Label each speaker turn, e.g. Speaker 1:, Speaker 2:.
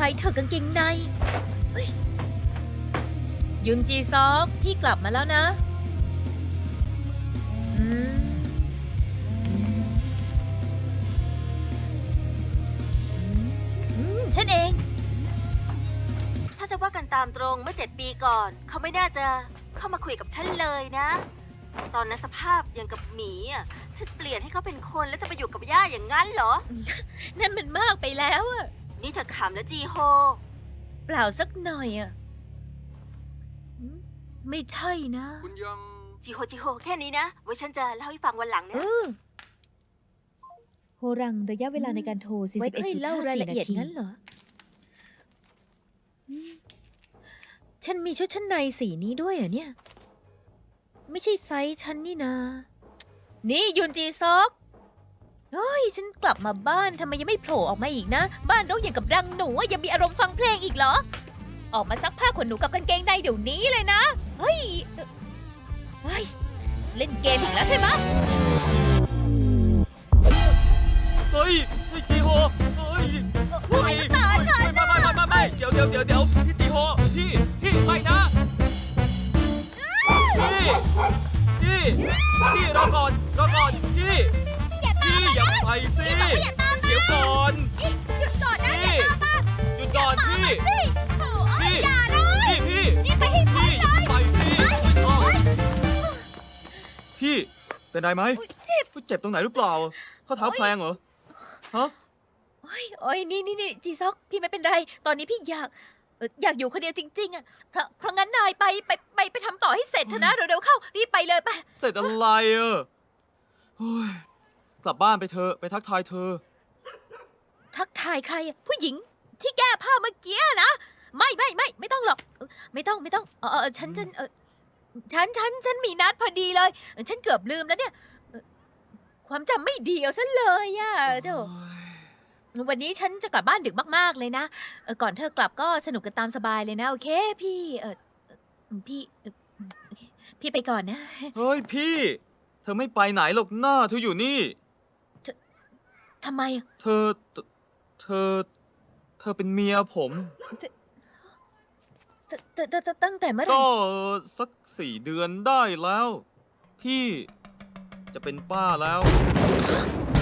Speaker 1: ายเธอกางเกงในเฮ้ยยุนจีซอกพี่กลับมาแล้วนะฉันเอง
Speaker 2: ถ้าจะว่ากันตามตรงเมื่อ7 ปีก่อนเขาไม่น่าจะเข้ามาคุยกับฉันเลยนะ ตอนนั้นสภาพอย่างกับหมีอ่ะฉันเปลี่ยนให้เขาเป็นคนแล้วจะไปอยู่กับย่าอย่างนั้นเหรอ
Speaker 1: นั่นมันมากไปแล้วอะ
Speaker 2: นี่เธอขำแล้วจีโฮ
Speaker 1: เปล่าสักหน่อยอะไม่ใช่นะ
Speaker 3: คุณยัง
Speaker 2: จีโฮแค่นี้นะไว้ฉันจะเล่าให้ฟังวันหลังนะ
Speaker 4: โฮรังระยะเวลาในการโทร
Speaker 1: ไว้ค่อยเล่ารายละเอียด
Speaker 4: 41.54
Speaker 1: งั้นเหรอฉันมีชุดชั้นในสีนี้ด้วยเหรอเนี่ย ไม่ใช่ไซส์ฉันนี่นา นี่ยุนจีซอกเฮ้ยฉันกลับมาบ้านทำไมยังไม่โผล่ออกมาอีกนะ บ้านรกอย่างกับรังหนูอะยังมีอารมณ์ฟังเพลงอีกเหรอ ออกมาซักผ้าขนหนูกับกางเกงในเดี๋ยวนี้เลยนะ เฮ้ยเล่นเกมอีกแล้วใช่ไหม
Speaker 3: เฮ้ยจีโฮเฮ้ย
Speaker 1: อะไรกับตาฉัน
Speaker 3: ไม่เดี๋ยวพี่จีโฮพี่ไม่นะพี่รอก่อนพี่อย่าไปสิเดี๋ยวก่อน
Speaker 1: หยุดก่อนนะ
Speaker 3: พี่หยุดก่อนพี่
Speaker 1: อย่านะ
Speaker 3: พี่
Speaker 1: นี่ไปให้พ้นเลย
Speaker 3: ไปสิพี่เป็นไรไหมเจ็บตรงไหนหรือเปล่าข้อเท้าแพลงเหรอฮะ
Speaker 1: โอ้ยนี่จีซอกพี่ไม่เป็นไร ตอนนี้พี่อยากอยู่คนเดียวจริงๆอ่ะเพราะงั้นนายไปทำต่อให้เสร็จเถอะนะเร็วๆเข้ารีบไปเลยไป
Speaker 3: เสร็จอะไรเฮ้ยกลับบ้านไปเถอะไปทักทายเธอ
Speaker 1: ทักทายใครอะผู้หญิงที่แก้ผ้าเมื่อกี้นะไม่ต้องหรอกไม่ต้องฉันมีนัดพอดีเลยฉันเกือบลืมแล้วเนี่ยความจำไม่ดีเอาซะเลยอะเดี๋ยววันนี้ฉันจะกลับบ้านดึกมากๆเลยนะก่อนเธอกลับก็สนุกกันตามสบายเลยนะโอเคพี่พี่โอเคพี่ไปก่อนนะ
Speaker 3: เฮ้ยพี่ เธอไม่ไปไหนหรอกหน้าเธออยู่นี่
Speaker 1: ทำไมอะ
Speaker 3: เธอเป็นเมียผม
Speaker 1: ตั้งแต่เมื่อไหร่
Speaker 3: ก็สัก4 เดือนได้แล้ว พี่จะเป็นป้าแล้ว